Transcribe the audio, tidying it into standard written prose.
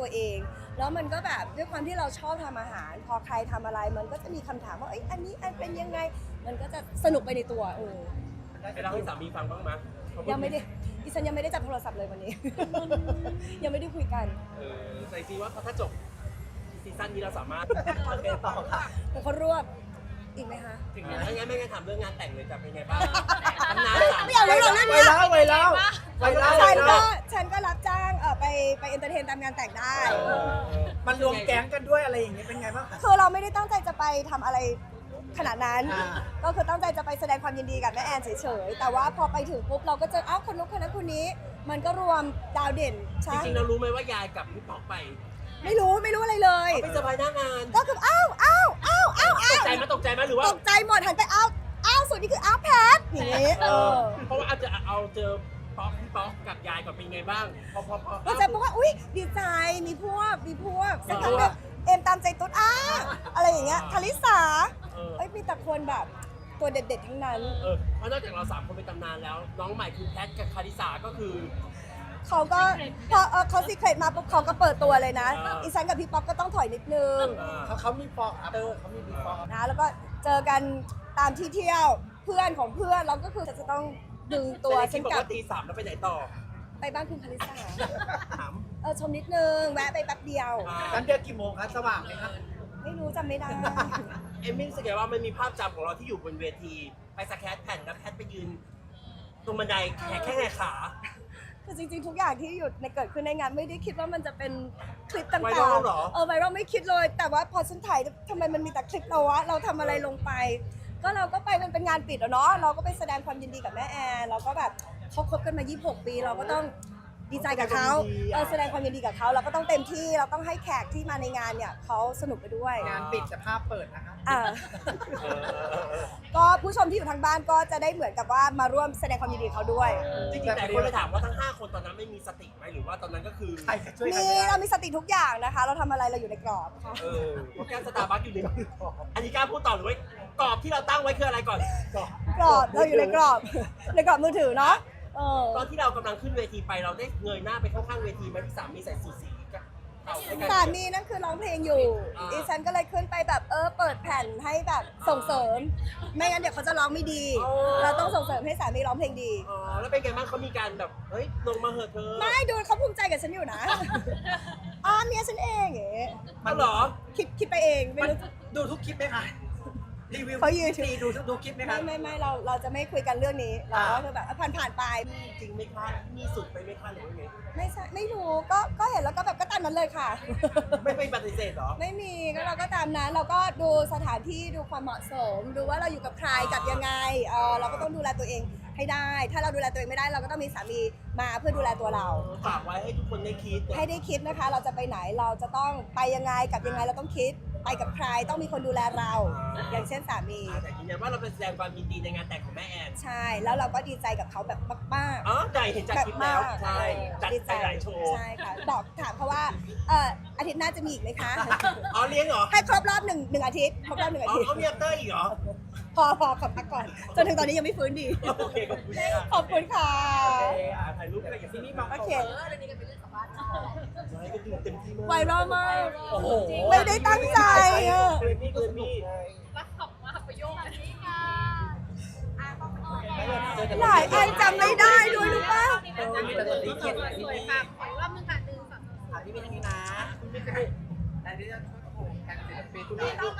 ตัวเองแล้วมันก็แบบด้วยความที่เราชอบทำอาหารพอใครทำอะไรมันก็จะมีคำถามว่าเอ้ยอันนี้เป็นยังไงมันก็จะสนุกไปในตัวไปเล่าให้สามีฟังบ้างมั้ยยังไม่ได้ดิฉันยังไม่ได้จับโทรศัพท์เลยวันนี้ ยังไม่ได้คุยกันใส่ซีว่าถ้าจบซีซั่นนี้เราสามารถไปต่อค่ะแต่เขารวบอีกไหมคะถึงงั้นไม่งั้นถามเรื่องงานแต่งเลยจะเป็นไงบ้างตำนานไม่เอาเรื่องนั้นเนี่ยฉันก็รับจ้างไปเอนเตอร์เทนตามงานแต่งได้มันรวมแก๊งกันด้วยอะไรอย่างเงี้ยเป็นไงบ้างคะคือเราไม่ได้ตั้งใจจะไปทำอะไรขนาดนั้นก็คือตั้งใจจะไปแสดงความยินดีกับแม่แอนเฉยๆแต่ว่าพอไปถึงปุ๊บเราก็เจออ้าวคนนู้นคนนั้นคนนี้มันก็รวมดาวเด่นใช่จริงๆเรารู้ไหมว่ายายกับพี่ป๊อกไปไม่รู้อะไรเลยไม่สบายหน้างานก็คืออ้าวตกใจไหมหรือว่าตกใจหมดหันไปอ้าวสุดนี่คืออ้าวแพทอย่างนี้เพราะว่าอาจจะเอาเจอป๊อกพี่ป๊อกกับยายก่อนเป็นไงบ้างพอจะบอกว่าอุ้ยดีใจมีพวกสักครั้งแบบเอ็มตามใจตุ๊ดอะไรอย่างเงี้ยคาริสามีแต่คนแบบตัวเด็ดๆทั้งนั้นเพราะนอกจากเรา3คนเป็นตำนานแล้วน้องใหม่คือแพทกับคาริสาก็คือเขาก็พอเขาซีเครตมาปุ๊บเขาก็เปิดตัวเลยนะอีซันกับพี่ป๊อกก็ต้องถอยนิดนึงเขามีฟอกเขามีบีฟอกนะแล้วก็เจอกันตามที่เที่ยวเพื่อนของเพื่อนเราก็คือจะต้องดึงตัวฉันกลับตี 3แล้วไปไหนต่อไปบ้านคุณคาริสาชมนิดนึงแวะไปแป๊บเดียวกันเดือนกี่โมงคะสว่างไหมคะไม่รู้จำไม่ได้เอมมี่รู้สึกว่ามันมีภาพจำของเราที่อยู่บนเวทีไปสแครแผ่นแล้วแพทไปยืนตรงบันไดแค่ขาคือจริงๆทุกอย่างที่อยู่ในเกิดขึ้นในงานไม่ได้คิดว่ามันจะเป็นคลิปต่างๆไวรัลไม่คิดเลยแต่ว่าพอฉันถ่ายทำไมมันมีแต่คลิปเราวะเราทำอะไรลงไปก็เราก็ไปมันเป็นงานปิดเนาะเราก็ไปแสดงความยินดีกับแม่แอนเราก็แบบเขาคบกันมา26 ปีเราก็ต้องดีใจกับเขาแสดงความยินดีกับเขาเราก็ต้องเต็มที่เราต้องให้แขกที่มาในงานเนี่ยเขาสนุกไปด้วยงานปิดแต่ภาพเปิดนะคะก็ผู้ชมที่อยู่ทางบ้านก็จะได้เหมือนกับว่ามาร่วมแสดงความยินดีเขาด้วยจริงๆแต่คนเลยถามว่าทั้ง5คนตอนนั้นไม่มีสติไหมหรือว่าตอนนั้นก็คือเรามีสติทุกอย่างนะคะเราทำอะไรเราอยู่ในกรอบค่ะเพราะแก้วสตาร์บัคอยู่ในกรอบอันนี้กล้าพูดต่อหรือว่ากรอบที่เราตั้งไว้คืออะไรก่อนกรอบเราอยู่ในกรอบมือถือเนาะตอนที่เรากำลังขึ้นเวทีไปเราได้เงยหน้าไปข้างๆเวทีไหมที่สามีใส่สูทสีสามีนั่นคือร้องเพลงอยู่ดิฉันก็เลยขึ้นไปแบบเปิดแผ่นให้แบบส่งเสริมไม่งั้นเดี๋ยวเขาจะร้องไม่ดีเราต้องส่งเสริมให้สามีร้องเพลงดีแล้วเป็นไงบ้างเขามีการแบบเฮ้ยลงมาเหอะเธอไม่ดูเขาภูมิใจกับฉันอยู่นะเมียฉันเองเอ๋มันเหรอคิดไปเองไม่รู้ดูทุกคลิปไหมคะรีวิวเขายืนดูคลิปไหมคะไม่เราจะไม่คุยกันเรื่องนี้เราก็คือแบบผ่านไปจริงไม่คาดมีสุดไปไม่คาดหรือว่าไงไม่รู้ก็เห็นแล้วก็แบบก็ตามนั้นเลยค่ะไม่ปฏิเสธหรอไม่มีก็เราก็ตามนั้นเราก็ดูสถานที่ดูความเหมาะสมดูว่าเราอยู่กับใครกับยังไงเราก็ต้องดูแลตัวเองให้ได้ถ้าเราดูแลตัวเองไม่ได้เราก็ต้องมีสามีมาเพื่อดูแลตัวเราฝากไว้ให้ทุกคนได้คิดให้ได้คิดนะคะเราจะไปไหนเราจะต้องไปยังไงกับยังไงเราต้องคิดไปกับใครต้องมีคนดูแลเราอย่างเช่นสามีแต่ยืนยันว่าเราเป็นแสดงความยินดีในงานแต่งของแม่แอนใช่แล้วเราก็ดีใจกับเขาแบบมากๆใจเห็นจากคลิปแล้วใช่จัดไปหลายโชว์ใช่ค่ะบอกถามเขาว่าอาทิตย์หน้าจะมีอีกไหมคะเลี้ยงเหรอให้ครบรอบหนึ่งอาทิตย์ครบรอบ1 อาทิตย์เขามีอัปเตอร์อีกเหรอพอขอพักก่อนจนถึงตอนนี้ยังไม่ฟื้นดีขอบคุณค่ะถ่ายรูปอะไรอย่างนี้โอเคไวรัลมากไม่ได้ตั้งใจรักขำมากประโยคนี้ค่ะหลายอันจำไม่ได้ด้วยรู้ป่ะสวยค่ะขอรอบนึงค่ะ1 2 3 พี่มีทางนี้นะคุณไม่เคยแต่ที่จะช่วยโอ้โหการศิลปินคุณนี่